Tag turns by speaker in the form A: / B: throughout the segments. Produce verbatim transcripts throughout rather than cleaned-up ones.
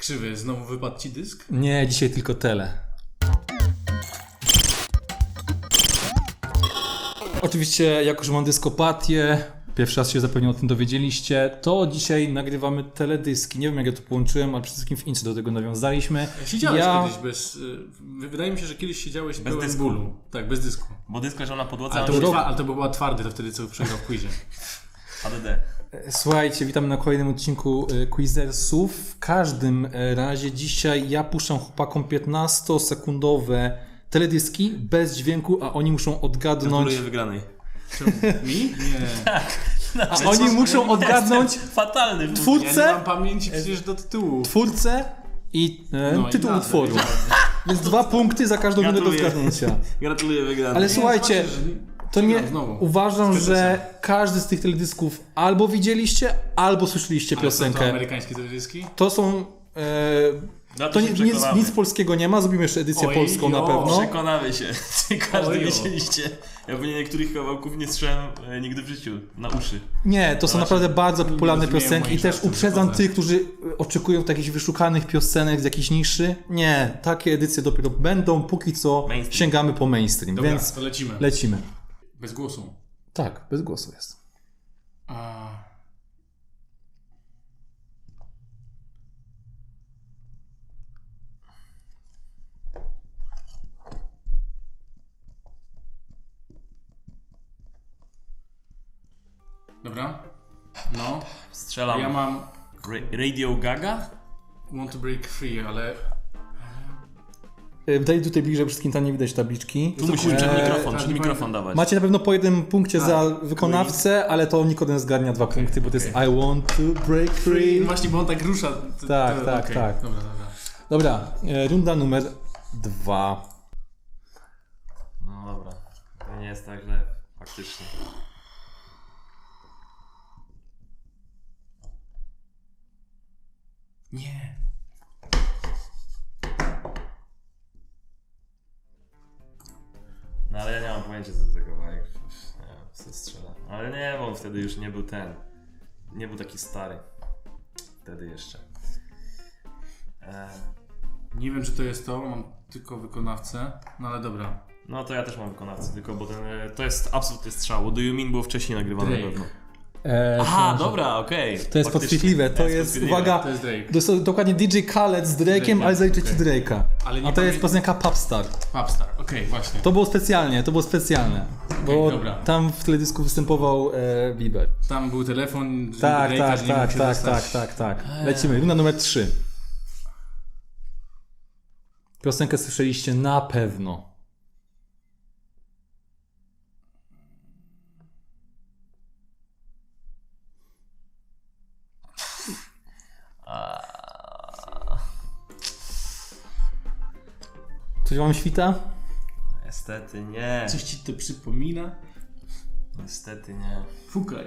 A: Krzywy, znowu wypadł ci dysk?
B: Nie, dzisiaj tylko tele. Oczywiście, jako że mam dyskopatię, pierwszy raz się zapewne o tym dowiedzieliście, to dzisiaj nagrywamy teledyski. Nie wiem, jak ja to połączyłem, ale przede wszystkim w Incy do tego nawiązaliśmy.
A: Siedziałeś
B: ja...
A: kiedyś bez... Wydaje mi się, że kiedyś siedziałeś
C: Bez
A: pełen
C: dysku.
A: bólu. Tak, bez dysku.
C: Bo dysk leżał na podłodze,
A: Ale
C: a
A: to,
C: on
A: był
C: się...
A: twa- ale to był twardy, to wtedy co przegrał w quizie.
C: A D D.
B: Słuchajcie, witamy na kolejnym odcinku y, Quizersów. W każdym y, razie dzisiaj ja puszczam chłopakom piętnastosekundowe teledyski bez dźwięku, a oni muszą odgadnąć...
C: Gratuluję wygranej.
A: Mi? Nie.
B: A oni muszą odgadnąć
C: Fatalny.
A: Ja
B: twórcę,
A: nie mam pamięci przecież do tytułu.
B: twórcę i e,
A: No i
B: tytuł
A: nazwę,
B: utworu. Więc dwa punkty za każdą minutę do
C: Gratuluję.
B: zgadnięcia.
C: Gratuluję wygranej.
B: Ale słuchajcie,
A: zobaczysz, że
B: to nie,
A: przegram znowu.
B: uważam,
A: Z
B: że
A: Petesem.
B: każdy z tych teledysków albo widzieliście, albo słyszeliście
A: Ale są to
B: piosenkę.
A: amerykańskie teledyski?
B: To są... E,
C: No
B: to
C: się
B: nie, nic,
C: przekonamy.
B: nic polskiego nie ma, zrobimy jeszcze edycję
A: Oj,
B: polską na
A: jo.
B: pewno.
C: Przekonamy się. Czy każdy
A: Ojo.
C: wiedzieliście? Ja pewnie niektórych kawałków nie słyszałem e, nigdy w życiu. Na uszy.
B: Nie, to są
C: Właśnie
B: naprawdę bardzo popularne
A: rozumieją
B: piosenki i
A: moich
B: też
A: żartów,
B: uprzedzam
A: wychodzę.
B: tych, którzy oczekują jakichś wyszukanych piosenek z jakiejś niszy. Nie, takie edycje dopiero będą, póki co
C: Mainstream.
B: sięgamy po mainstream,
A: Dobra,
B: więc
A: to lecimy.
B: lecimy.
A: Bez głosu.
B: Tak, bez głosu jest.
A: A... Dobra. No.
C: Strzelam.
A: Ja mam
C: Ra- Radio Gaga?
A: Want to Break Free, ale...
B: E, Daj tutaj bliżej, wszystkim tam nie widać tabliczki.
C: Tu musisz przed
B: Eee,
C: mikrofon,
A: tak,
C: przed
A: nie
C: mikrofon
A: pamiętam.
C: dawać.
B: Macie na pewno po jednym punkcie
A: A,
B: za wykonawcę, ale to Nikodem zgarnia dwa punkty, bo to jest
A: okej.
B: I want to break free.
A: Właśnie, bo on tak rusza. To,
B: Tak,
A: to,
B: tak,
A: okej.
B: tak.
A: Dobra, dobra.
B: Dobra, e, runda numer dwa.
C: No dobra. To nie jest tak źle. Faktycznie.
A: Nie.
C: No ale ja nie mam pojęcia co to za kawałek. Nie wiem, co strzela. Ale nie, bo on wtedy już nie był ten. Nie był taki stary. Wtedy jeszcze. E,
A: Nie wiem, czy to jest to, mam tylko wykonawcę, no ale dobra.
C: no to ja też mam wykonawcę, tylko bo ten, e, to jest absolutny strzał. What Do You Mean było wcześniej nagrywane na
A: Drake.
C: pewno.
B: E,
C: Aha,
B: to-
C: dobra, okej.
B: To jest
C: Faktycznie.
B: podchwytliwe, to jest,
C: podchwytliwe.
B: uwaga,
A: To jest Drake.
B: to jest dokładnie D J Khaled z Drake'em,
A: Drake'em,
B: ale zaliczę ci
A: okej.
B: Drake'a.
A: Ale nie
B: A to jest
A: pamię-
B: piosenka Popstar.
A: Popstar, okej, właśnie.
B: To było specjalnie, to było specjalne, bo
A: dobra.
B: tam w teledysku występował e, Bieber.
A: Tam był telefon
B: Tak,
A: Drake'a,
B: tak,
A: że nie
B: tak,
A: mógł się
B: tak,
A: dostać.
B: tak, tak, tak. Lecimy, runda numer trzy. Piosenkę słyszeliście na pewno. Coś wam świta?
C: Niestety nie.
A: Coś ci to przypomina?
C: Niestety nie.
A: Fukaj.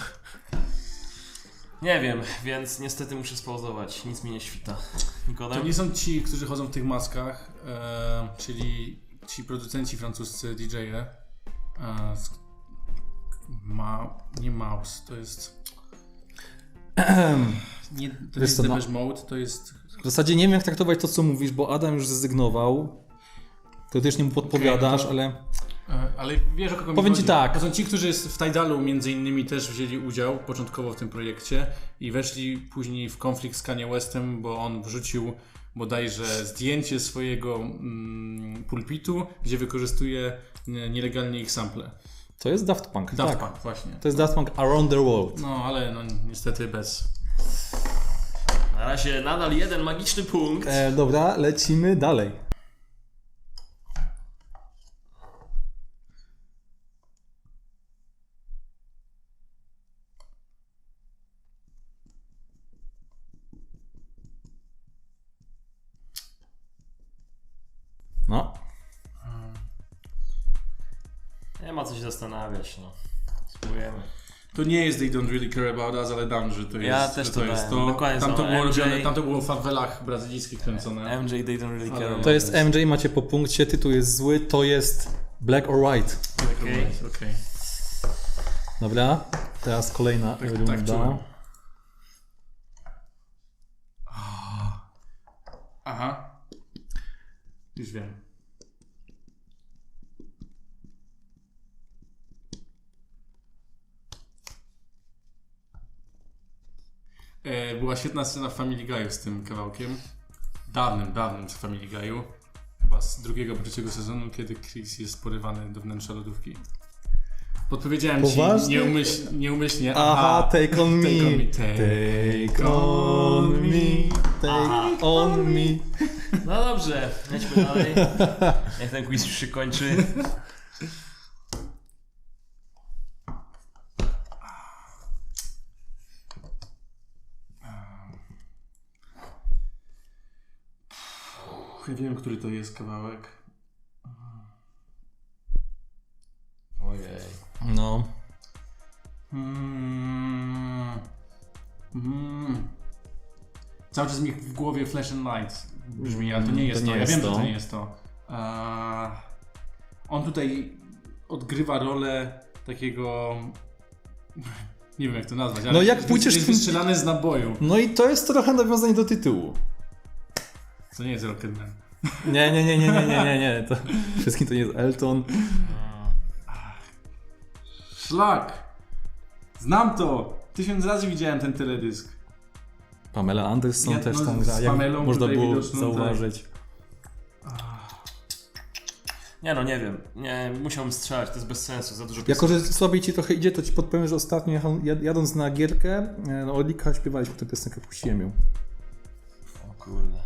C: Nie wiem, więc niestety muszę spauzować. Nic mi nie świta. Nikodem?
A: To nie są ci, którzy chodzą w tych maskach, e, czyli ci producenci francuscy, D J-e. E, z- ma, nie Mouse, to jest... Nie, to nie
B: Wiesz
A: jest
B: co, no-
A: Depeche Mode, to jest...
B: W zasadzie nie wiem, jak traktować to, co mówisz, bo Adam już zrezygnował. To też nie mu podpowiadasz,
A: Okej, no
B: ale...
A: E, Ale wiesz, o kogo mi
B: Powiem
A: chodzi.
B: ci tak.
A: To są ci, którzy w Tidalu między innymi też wzięli udział początkowo w tym projekcie i weszli później w konflikt z Kanye Westem, bo on wrzucił bodajże zdjęcie swojego mm, pulpitu, gdzie wykorzystuje nie- nielegalnie ich sample.
B: To jest Daft Punk,
A: Daft
B: tak.
A: Punk, właśnie.
B: To jest Daft Punk Around the World.
A: No, ale no niestety bez.
C: Na razie nadal jeden magiczny punkt.
B: E, dobra, lecimy dalej. No.
C: Nie ma co się zastanawiać, no. Spróbujemy.
A: To nie jest They Don't Really Care About Us, ale dam, że to jest
C: Ja też
A: że
C: to
A: to. Jest
C: dałem.
A: to.
C: Dokładnie
A: Tam to,
C: samo.
A: było
C: M J.
A: robione, tam to było w fawelach brazylijskich kręcone.
C: M J They Don't Really Care
A: Ale-
C: About
B: To jest
C: Us.
B: M J, macie po punkcie, tytuł jest zły, to jest Black or White.
A: Okej, okej.
B: Dobra, teraz kolejna
A: Tak-
B: runda.
A: tak czułem. Aha. Już wiem. E, była świetna scena w Family Guy'u z tym kawałkiem. Dawnym, dawnym z Family Guy'u. Chyba z drugiego, trzeciego sezonu, kiedy Chris jest porywany do wnętrza lodówki. Podpowiedziałem
B: Poważnie?
A: ci nieumyśl, nieumyślnie.
B: Aha, take on me.
A: Take on me.
B: Take on me. Take on me.
C: No dobrze, lećmy dalej. Niech ten quiz już się kończy.
A: Ja wiem, który to jest kawałek.
C: Ojej.
B: No.
A: Mm. Mm. Cały czas mi w głowie Flash and Light brzmi, ale to nie jest to.
B: To nie
A: ja
B: jest
A: wiem,
B: to.
A: że to nie jest to. Eee, on tutaj odgrywa rolę takiego... Nie wiem, jak to nazwać, ale
B: No jak
A: jest-
B: pójdziesz
A: jest
B: w tym-
A: wystrzelany z naboju.
B: No i to jest trochę nawiązanie do tytułu.
A: To nie jest Rocketman.
B: Nie, nie, nie, nie, nie, nie, nie, nie. To wszystkim to nie jest Elton.
A: Szlak! Znam to! Tysiąc razy widziałem ten teledysk.
B: Pamela Anderson
A: Ja-
B: też
A: no,
B: tam
A: z
B: gra, jak
A: Pamelą
B: można
A: tutaj
B: było
A: widoczną,
B: zauważyć.
C: Nie no, nie wiem. Nie, musiałbym strzelać, to jest bez sensu, za dużo
B: Jako, że słabiej ci trochę idzie, to ci podpowiem, że ostatnio jechał- jad- jadąc na gierkę, e, no Odlika śpiewaliśmy tę piosenkę, puściłem ją.
C: O kurde.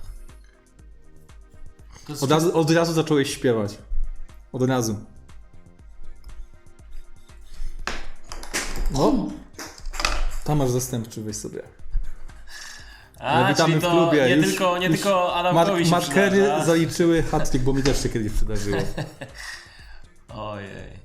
A: To jest
B: Od razu, od razu zacząłeś śpiewać. Od razu. No. Tam masz zastępczy, weź sobie.
C: A,
B: Ale witamy
C: czyli
B: w
C: to
B: klubie.
C: nie
B: Już-
C: tylko, nie
B: już
C: tylko Adamkowi
B: Mark,
C: się
B: markery
C: przydarza.
B: zaliczyły hat-trick, bo mi też się kiedyś przydarzyło.
C: Ojej.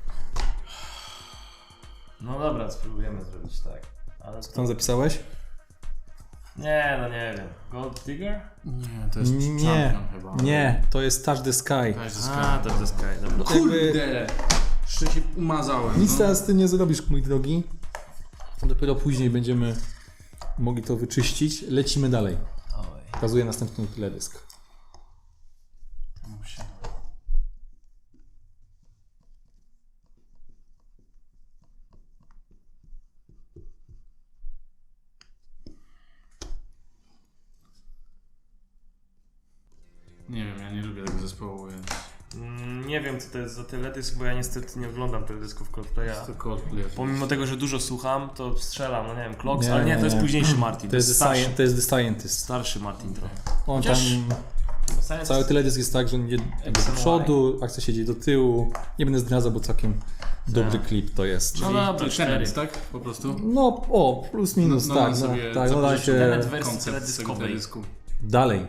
C: No dobra, spróbujemy zrobić tak. Ale
B: Co tam zapisałeś?
C: Nie, no nie wiem. Gold Digger?
A: Nie, to jest
B: Nie,
A: Champion chyba.
B: nie, to jest Touch the Sky.
A: To jest
C: A, to jest Sky, dobra.
A: Kurde! Jeszcze się umazałem.
B: Nic
A: no.
B: teraz z tym nie zrobisz, mój drogi. Dopiero później będziemy mogli to wyczyścić. Lecimy dalej.
C: Oj.
B: Pokazuję następny teledysk.
A: Muszę. Nie wiem, ja nie lubię tego zespołu, więc...
C: Mm, Nie wiem co to jest za teledysk, bo ja niestety nie oglądam teledysków Coldplaya.
A: To Coldplay.
C: Pomimo tego, że dużo słucham, to strzelam, no nie wiem, Clocks,
B: Nie,
C: ale nie, to jest
B: nie.
C: późniejszy Martin.
B: To jest, the
C: starszy,
B: sci- to jest The Scientist.
C: starszy Martin trochę.
B: On
C: Chociaż-
B: tam,
C: Science-
B: cały teledysk jest tak, że on idzie jakby
C: X
B: do
C: and
B: przodu, akcja się dzieje do tyłu. Nie będę zdradzał, bo całkiem dobry klip to jest.
C: No
A: Czyli
C: dobra,
A: to
C: cztery.
A: Tenet, tak? Po prostu?
B: No, o, plus minus,
A: No,
B: tak,
A: no,
B: no,
A: sobie
B: tak, no da
A: zapożyczył
B: się
C: Tenet wersji
A: koncept z tego
C: teledyskowej.
A: teledysku.
B: dalej.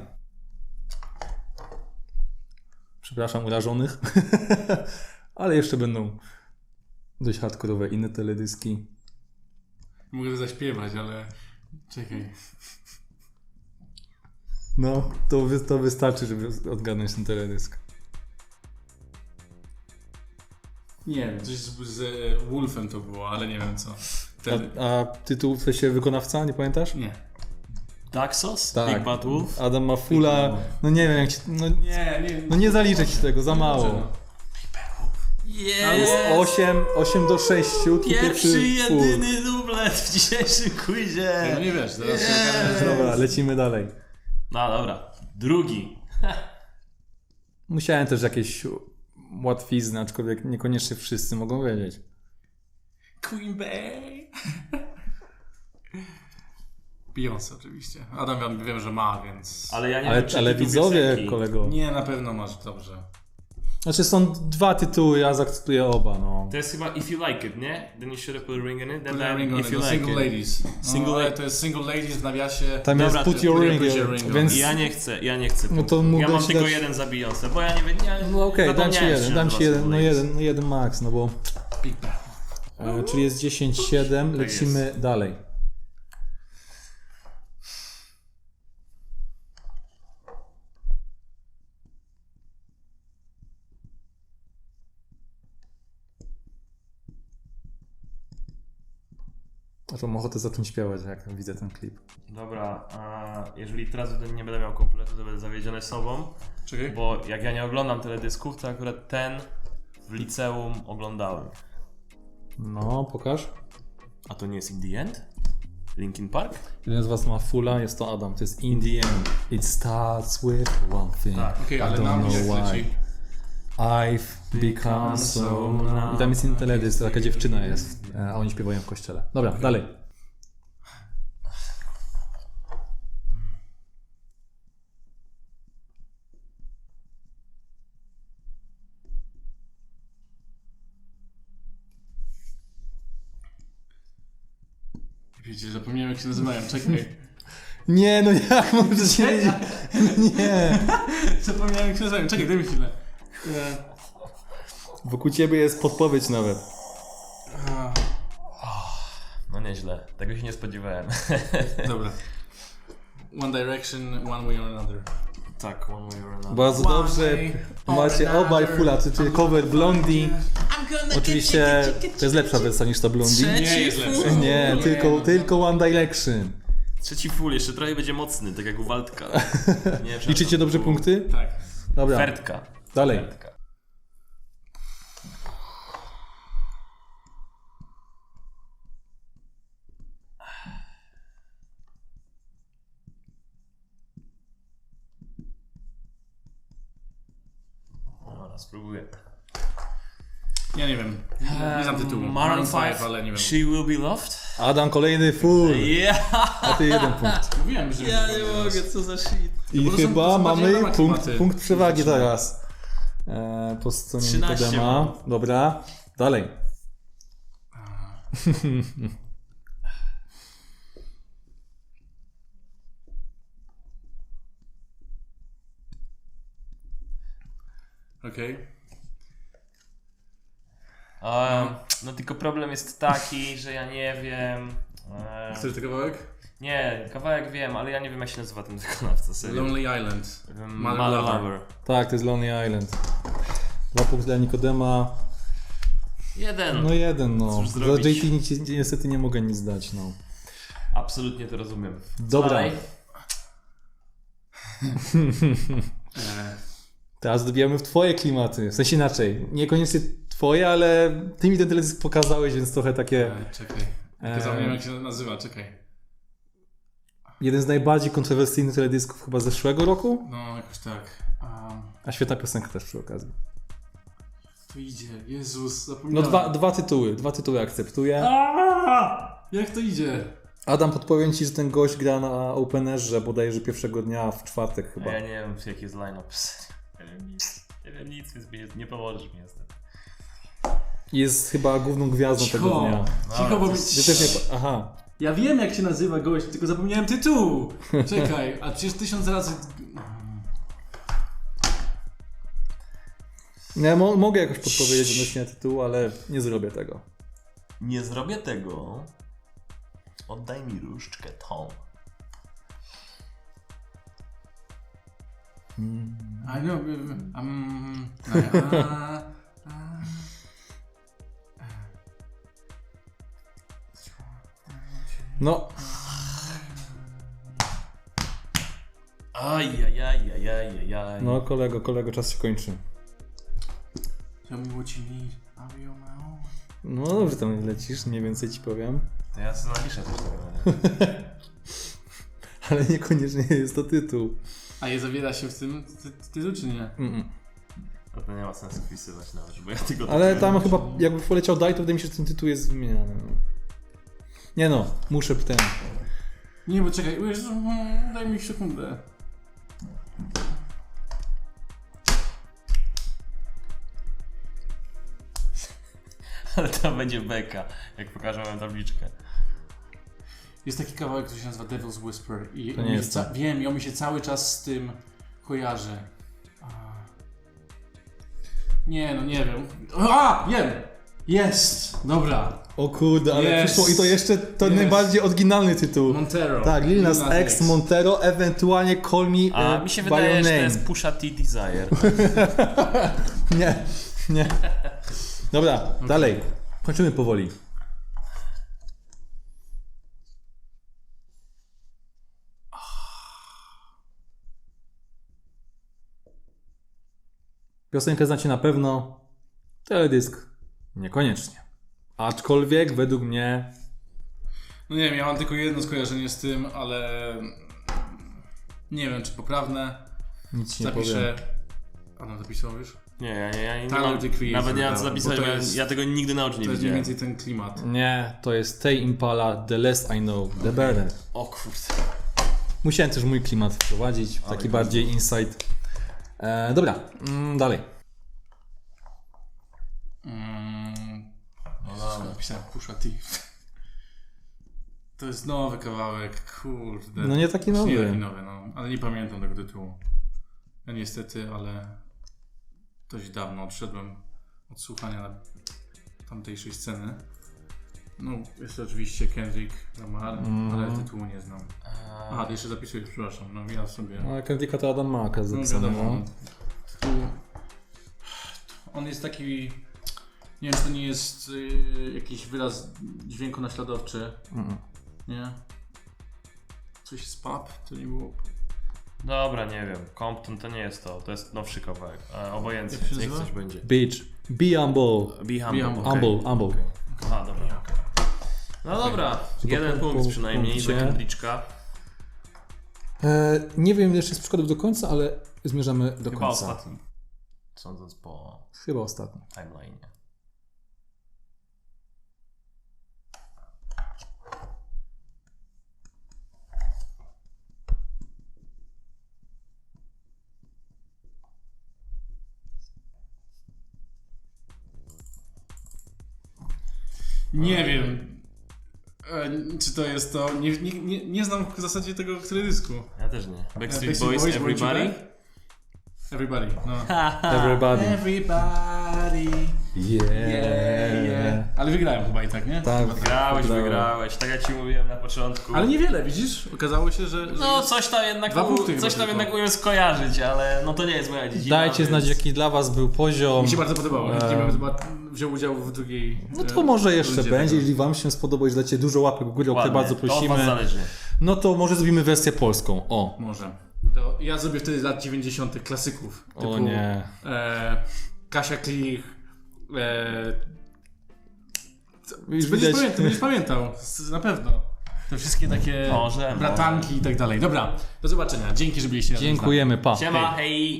B: Przepraszam urażonych, ale jeszcze będą dość hardkorowe inne teledyski.
A: Mogę zaśpiewać, ale... Czekaj.
B: No, to, wy, to wystarczy, żeby odgadnąć ten teledysk.
A: Nie wiem, coś z, z e, Wolfem to było, ale nie wiem co. Wtedy...
B: A, a tytuł w sensie wykonawca, nie pamiętasz?
A: Nie.
C: Daxos?
B: Tak.
C: Big Bad Wolf?
B: Adam Mafula, no nie wiem jak ci, no,
A: Nie, nie.
B: no nie zaliczę ci tego, za mało.
C: Jest!
B: osiem, osiem do sześciu, tu
C: Pierwszy,
B: full.
C: jedyny dublet w dzisiejszym
A: No
C: quizie!
A: nie wiesz, zaraz się okaże, że...
B: Dobra, lecimy dalej.
C: No dobra, drugi.
B: Musiałem też jakieś łatwizny, aczkolwiek niekoniecznie wszyscy mogą wiedzieć.
A: Queen Bey. Beyoncé oczywiście. Adam wiem, wiem, że ma, więc...
C: Ale ja nie
B: Ale,
C: wiem, czy
B: ale
C: tytuł
B: widzowie,
C: piosenki.
B: kolego.
A: Nie, na pewno masz dobrze.
B: Znaczy są dwa tytuły, ja zaakceptuję oba, no.
C: To jest chyba If You Like It, nie? Then you should have put a ring in it. Then
A: Put a
C: then
A: ring on
C: If
A: it,
C: You
A: no,
C: Like
A: Single
C: It.
A: Ladies. No,
C: Single
A: ale
C: la-
A: to jest Single Ladies w nawiasie.
B: Tam
C: Dobra,
B: jest put
C: to
B: your
A: put
B: ring,
A: your ring on.
B: więc...
C: Ja nie chcę, ja nie chcę.
B: No to
C: punktów. ja
B: mógłbyś
C: mam tylko
B: dać-
C: jeden za Beyoncé, bo ja nie wiem. Ja
B: No okej, dam ci
C: zapomniałem, że
B: jeden, dam
C: nazywa
B: ci jeden,
C: Single
B: no
C: Ladies.
B: jeden, no jeden max, no bo...
A: Big Bang.
B: E, czyli jest dziesięć siedem,
C: Tak
B: lecimy dalej. Aż mam ochotę zacząć śpiewać, jak widzę ten klip.
C: Dobra, a jeżeli teraz nie będę miał kompletu, to będę zawiedziony sobą.
A: Czekaj.
C: Bo jak ja nie oglądam teledysków, to akurat ten w liceum oglądałem.
B: No, pokaż.
C: A to nie jest In The End? Linkin Park?
B: Jeden z was ma fulla, jest to Adam. To jest In The End. It starts with one thing.
C: Tak.
A: Okej,
B: I
A: ale
B: don't
A: na mnie
B: know
A: jak
B: why.
A: leci.
B: I've become so numb. I tam jest inny teledysk, taka dziewczyna jest, a oni śpiewają w kościele. Dobra, dalej.
A: Wiecie, zapomniałem jak się nazywają, czekaj.
B: Nie, no jak możesz się wiedzieć? Nie.
A: Zapomniałem jak się nazywają, czekaj, daj mi chwilę. E,
B: Wokół ciebie jest podpowiedź nawet.
A: a,
C: No nieźle, tego się nie spodziewałem.
A: dobra. One Direction, One Way or Another.
C: Tak, One Way or Another.
B: Bardzo dobrze. Macie obaj fulla, czyli cover Blondie. Oczywiście to jest lepsza wersja niż ta Blondie.
A: Nie jest lepsze.
B: Nie, tylko, tylko One Direction.
C: Trzeci full, jeszcze trochę będzie mocny, tak jak u Waldka. Nie,
B: Liczycie dobrze punkty?
A: Tak.
B: Dobra,
C: Fertka.
B: dalej.
C: Fertka. Dobra, spróbuję.
A: Ja nie wiem. Nie znam tytułu.
C: Maroon
A: five,
C: five,
A: ale nie wiem.
C: She Will Be Loved?
B: Adam, kolejny full.
C: Yeah!
B: A ty jeden punkt.
A: Mówiłem, że
C: Ja nie mogę, co za shit.
B: I
A: bo to są-
B: chyba
A: to są bardziej
B: mamy
A: nowe
B: punkt,
A: klimaty.
B: punkt przewagi teraz. E, po stronie
C: trzynaście
B: Nikodema.
C: mam.
B: Dobra, dalej.
A: Okej.
C: Um, no tylko problem jest taki, że ja nie wiem... E,
A: Chcesz ten kawałek?
C: nie, kawałek wiem, ale ja nie wiem jak się nazywa ten wykonawca, serio.
A: Lonely Island.
C: Um,
A: Mother
C: Mother
A: Lover.
C: Lover.
B: Tak, to jest Lonely Island. Dwa punkty dla Nikodema.
C: Jeden.
B: No jeden, no.
C: Cóż
B: Za
C: zrobić?
B: J T nic, niestety nie mogę nic dać, no.
C: Absolutnie to rozumiem.
B: Dobra.
C: Dalej.
A: E,
B: Teraz dobijamy w twoje klimaty. W sensie inaczej. Niekoniecznie twoje, ale ty mi ten teledysk pokazałeś, więc trochę takie...
A: e, czekaj. Ja zapomniałem jak się nazywa, czekaj.
B: Jeden z najbardziej kontrowersyjnych teledysków chyba zeszłego roku.
A: No, jakoś tak. Um,
B: A świetna piosenka też przy okazji.
A: to idzie. Jezus,
B: No
A: zapomniałem.
B: dwa, dwa tytuły. Dwa tytuły akceptuję.
A: Aaaa! Jak to idzie?
B: Adam, podpowiem ci, że ten gość gra na Openerze bodajże pierwszego dnia w czwartek
C: A
B: chyba.
C: ja nie wiem jaki jest line-up. Nie wiem nic. Nie wiem nic, więc mi nie, nie pomożesz mi niestety.
B: Jest chyba główną gwiazdą tego
A: Cicho,
B: dnia.
A: cicho, bo mi...
B: Ja też nie... Aha.
A: Ja wiem jak się nazywa gość, tylko zapomniałem tytułu. Czekaj, a przecież tysiąc razy...
B: Nie, mo mogę jakoś podpowiedzieć odnośnie tytułu, ale nie zrobię tego.
C: Nie zrobię tego. Oddaj mi różdżkę tą.
A: I know, um, a, a,
B: No,
C: Ajajajajajajaj.
B: no kolego, kolego, czas się kończy.
A: Tell me what you need, I'll be on my own.
B: No dobrze tam lecisz, mniej więcej ci powiem.
C: To ja sobie napiszę też tego.
B: Ale niekoniecznie jest to tytuł.
A: A je zawiera się w tym ty, tytuł, czy nie?
B: Mm -mm.
C: No to nie ma sensu wpisywać nawet, bo ja tego...
B: Ale tam chyba, jakby poleciał Daj, to wydaje mi się, że ten tytuł jest wymieniany. No. Nie no, muszę ten.
A: Nie, bo czekaj, Jezu, mm, daj mi sekundę.
C: Ale to będzie beka, jak pokażę wam tabliczkę.
A: Jest taki kawałek, który się nazywa Devil's Whisper i
B: To
A: on
B: nie
A: mi
B: jest
A: ca-
B: to.
A: wiem, i on mi się cały czas z tym kojarzy. A. Nie, no nie wiem. A, wiem! Jest! Dobra.
B: O kurde, ale
A: Yes.
B: przyszło i to jeszcze to
A: Yes.
B: najbardziej oryginalny tytuł.
A: Montero.
B: Tak, Lil Nas
A: Lil Nas
B: X, Montero, ewentualnie Call Me
C: A
B: e,
C: mi się
B: by
C: wydaje,
B: Your
C: że to
B: Name.
C: jest Pusha T Desire.
B: Nie, nie. Dobra, dalej. Kończymy powoli. Piosenkę znacie na pewno, teledysk niekoniecznie. Aczkolwiek według mnie...
A: No nie wiem, ja mam tylko jedno skojarzenie z tym, ale nie wiem, czy poprawne.
B: Nic ci nie
A: Zapiszę.
B: powiem.
A: A no zapisał już?
C: Nie, ja, ja, ja nie
A: Tyler,
C: mam,
A: the Creator,
C: nawet nie mam co
A: dobra,
C: zapisać,
A: bo
C: bo
A: to
C: ja,
A: jest-
C: ja tego nigdy na oczy nie
A: To jest mniej
C: widziałem.
A: więcej ten klimat.
B: Nie, to jest Tame Impala, The Less I Know, The Better.
C: O kurde.
B: Musiałem też mój klimat wprowadzić, taki
C: kurde.
B: bardziej insight. E, dobra, mm, dalej.
A: Mm,
C: No dobra.
A: napisałem Pusha T. To jest nowy kawałek, kurde.
B: No nie taki
A: Nie
B: nowy.
A: taki nowy, no. Ale nie pamiętam tego tytułu. Ja niestety, ale dość dawno odszedłem od słuchania tamtejszej sceny. No, jest to oczywiście Kendrick Lamar,
B: Mm.
A: ale tytułu nie znam. A, ty jeszcze zapisujesz, przepraszam, no ja sobie...
B: No, Kendricka to Adam Maka
A: No
B: zapisane.
A: wiadomo,
B: No.
A: tytuł... On jest taki... Nie wiem, czy to nie jest y, jakiś wyraz dźwięku naśladowczy,
B: Mm.
A: nie? Coś z pub, to nie było...
C: Dobra, nie wiem. Compton to nie jest to, to jest nowszy kawałek. E, obojętnie,
A: Jak się
C: niech
A: nazywa?
C: coś będzie.
B: Bitch, be humble.
C: Be
A: humble,
C: humble.
A: okej.
B: Humble, humble.
C: Okay. Aha, dobra. No dobra, jeden
B: po-
C: punkt
B: po
C: przynajmniej za
B: punkcie.
C: Kendricka.
B: E, nie wiem jeszcze z przykładów do końca, ale zmierzamy do
C: Chyba
B: końca.
C: ostatni. Sądząc po
B: Chyba ostatni.
C: timeline.
A: Nie wiem, e, czy to jest to. Nie, nie, nie, nie znam w zasadzie tego teledysku.
C: Ja też nie. Backstreet
A: Backstreet
C: Boys,
A: Boys,
C: Everybody.
A: Everybody, no.
B: Everybody.
A: Everybody.
B: Yeah.
A: Yeah, yeah. Ale wygrałem chyba i tak, nie?
B: Tak.
A: Chyba
C: Wygrałeś,
B: Wygrałem.
C: wygrałeś. Tak jak ci mówiłem na początku.
A: Ale niewiele, widzisz? Okazało się, że... że
C: No
A: jest...
C: coś tam jednak,
A: Dwa
C: u,
A: punkty
C: coś
A: chyba
C: tam
A: tylko.
C: jednak umiem skojarzyć, ale no to nie jest moja dziedzina.
B: Dajcie
C: więc-
B: znać, jaki dla was był poziom.
A: Mi się bardzo podobało.
B: Eee.
A: Nie wiem, chyba wziął udział w drugiej...
B: No to
A: e,
B: może jeszcze
A: rundzie
B: będzie,
A: tego.
B: jeżeli wam się spodoba i że dacie dużo łapek w górę, o które
C: Ładnie,
B: bardzo
C: To od was
B: prosimy.
C: zależy.
B: No to może zrobimy wersję polską. O.
A: Może. To ja zrobię wtedy z lat dziewięćdziesiątych klasyków.
B: O
A: typu,
B: nie.
A: E, Kasia Klich. E,
B: Już
A: będziesz,
B: widać.
A: pamiętał, będziesz pamiętał, z- na pewno. Te wszystkie takie
C: Może,
A: bratanki i tak dalej. Dobra, do zobaczenia. Dzięki, że byliście razem z nami.
B: Dziękujemy, pa.
C: Siema, hej!